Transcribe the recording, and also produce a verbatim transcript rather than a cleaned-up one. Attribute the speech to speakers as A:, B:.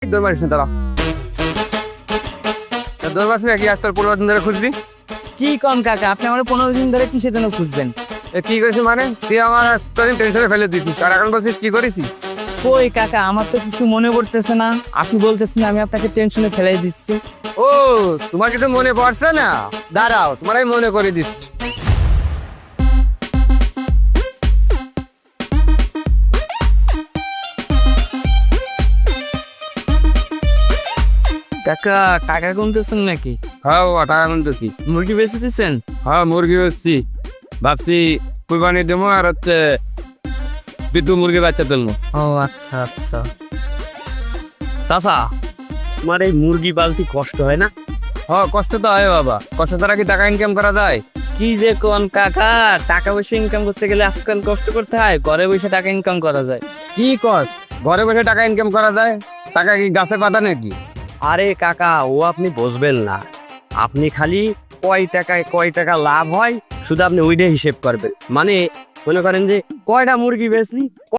A: দৌড় মারিস না, দাঁড়া। দৌড় মারিস না কি? আজ তোর পনেরো দিন ধরে খুঁজছি।
B: কি কম কাকা, আপনি আমার পনেরো দিন ধরে কিসের জন্য খুঁজবেন?
A: এ কি করেছিস মানে? তুই আমার আজকাল টেনশনে ফেলে দিচ্ছিস, আর এখন বলছিস কি করেছি?
B: কই কাকা, আমার তো কিছু মনে পড়তেছে না। আপনি বলতেছেন আমি আপনাকে টেনশনে ফেলাই দিচ্ছি।
A: ও, তোমার কিছু মনে পড়ছে না? দাঁড়াও, তোমার আমি মনে করে দিচ্ছি।
B: কাকা, টাকা গুনতেছেন নাকি?
A: হ্যাঁ বাবা, টাকা গুনতেছি।
B: মুরগি বেঁচে দিচ্ছেন?
A: হ্যাঁ, মুরগি বেচছি। ভাবছি কুরবানি দেবো, আর হচ্ছে বিদ্যুৎ মুরগি বাচ্চা তুলবো।
B: ও আচ্ছা আচ্ছা। চাচা, তোমার এই মুরগি পালতে কষ্ট হয় না?
A: হ্যাঁ, কষ্ট তো হয় বাবা। কষ্ট ছাড়া কি টাকা ইনকাম করা যায়?
B: কি যে কোন কাকা, টাকা পয়সা ইনকাম করতে গেলে আজকাল কষ্ট করতে হয়, ঘরে বসে টাকা ইনকাম করা যায়।
A: কি কস? ঘরে বসে টাকা ইনকাম করা যায়? টাকা কি গাছে পাতা নাকি?
B: আরে কাকা, ও আপনি বুঝবেন না। আপনি খালি কয় টাকায় কয় টাকা লাভ হয় শুধু আপনি ওইটাই হিসেব করবেন। মানে মনে করেন যে কয়টা মুরগি বেচলি,